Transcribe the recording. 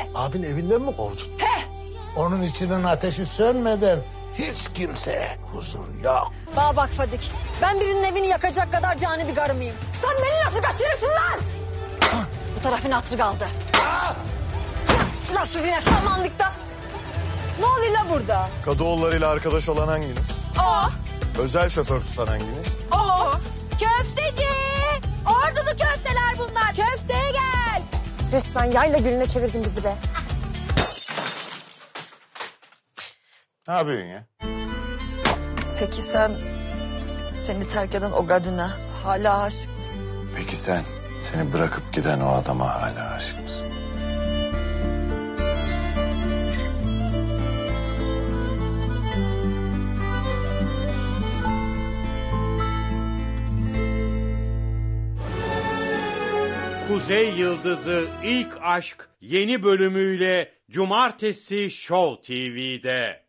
Abin evinden mi kovdun? He. Onun içinin ateşi sönmeden hiç kimseye huzur yok. Bana bak Fadik. Ben birinin evini yakacak kadar cani bir karı mıyım? Sen beni nasıl kaçırırsın lan? Bu tarafın hatırı kaldı. Nasıl yine samanlık da? Ne oluyor la burada? Kadıoğullarıyla arkadaş olan hanginiz? Aa. Özel şoför tutan hanginiz? Aa. Köfteci. Ordulu köfteler bunlar. Köfteye gel. Resmen yayla gülüne çevirdin bizi be. Ne yapıyorsun ya? Peki sen seni terk eden o kadına hala aşık mısın? Peki sen, seni bırakıp giden o adama hala aşık mısın? Kuzey Yıldızı İlk Aşk yeni bölümüyle Cumartesi Show TV'de.